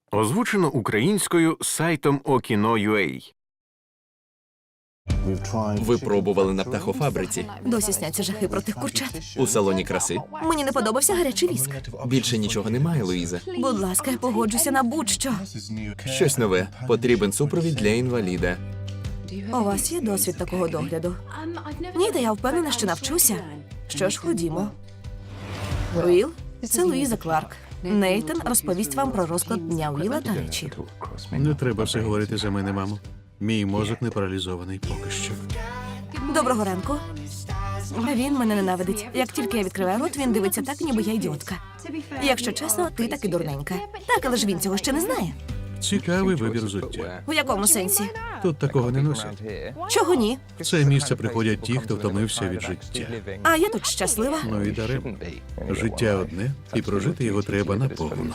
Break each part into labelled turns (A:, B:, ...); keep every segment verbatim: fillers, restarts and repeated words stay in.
A: Озвучено українською сайтом Okino.ua.
B: Ви пробували на птахофабриці,
C: Досі сняться жахи про тих курчат.
B: у салоні краси.
C: Мені не подобався гарячий віск.
B: Більше нічого немає, Луїза.
C: Будь ласка, я погоджуся на будь-що.
B: Щось нове. Потрібен супровід для інваліда.
C: У вас є досвід такого догляду? Ні, та я впевнена, що навчуся. Що ж, ходімо. Уіл, це Луїза Кларк. Нейтан розповість вам про розклад дня Уіла та речі.
D: Не треба все говорити за мене, мамо. Мій мозок не паралізований поки що.
C: Доброго ранку. Він мене ненавидить. Як тільки я відкриваю рот, він дивиться так, ніби я ідіотка. Якщо чесно, ти таки дурненька. Так, але ж він цього ще не знає.
D: Цікавий вибір взуття.
C: У якому сенсі?
D: Тут такого не носять.
C: Чого ні?
D: В це місце приходять ті, хто втомився від життя.
C: А я тут щаслива.
D: Ну і даремно. Життя одне, і прожити його треба наповну.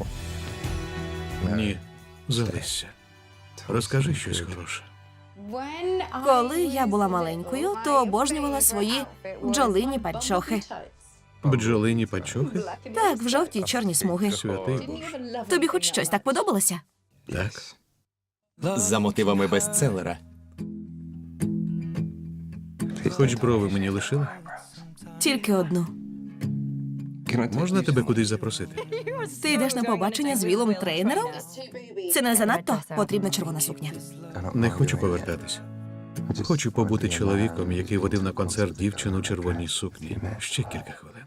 D: Ні, залишся. Розкажи щось хороше.
C: Коли я була маленькою, то обожнювала свої бджолині панчохи.
D: Бджолині панчохи?
C: Так, в жовтій чорні смуги.
D: Святий Боже.
C: Тобі хоч щось так подобалося?
D: Так.
B: За мотивами бестселера.
D: Хоч брови мені лишили?
C: Тільки одну.
D: Можна тебе кудись запросити?
C: Ти йдеш на побачення з Вілом тренером? Це не занадто? Потрібна червона сукня.
D: Не хочу повертатись. Хочу побути чоловіком, який водив на концерт дівчину у червоній сукні. Ще кілька хвилин.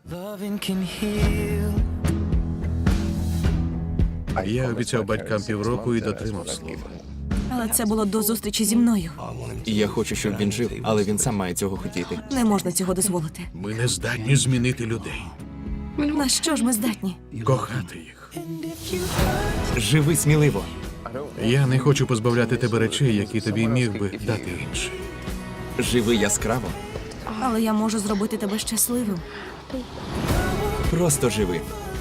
D: Я обіцяв батькам півроку і дотримав слова.
C: Але це було до зустрічі зі мною.
B: І я хочу, щоб він жив, але він сам має цього хотіти.
C: Не можна цього дозволити.
D: Ми не здатні змінити людей.
C: На що ж ми здатні?
D: Кохати їх.
B: Живи сміливо.
D: Я не хочу позбавляти тебе речей, які тобі міг би дати інший.
B: Живи яскраво.
C: Але я можу зробити тебе щасливим.
B: Просто живи.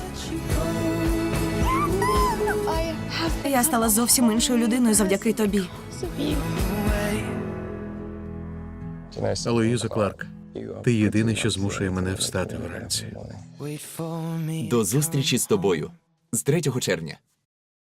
C: Я стала зовсім іншою людиною завдяки тобі.
D: Луїза Кларк, ти єдине, що змушує мене встати вранці.
B: До зустрічі з тобою. З третього червня.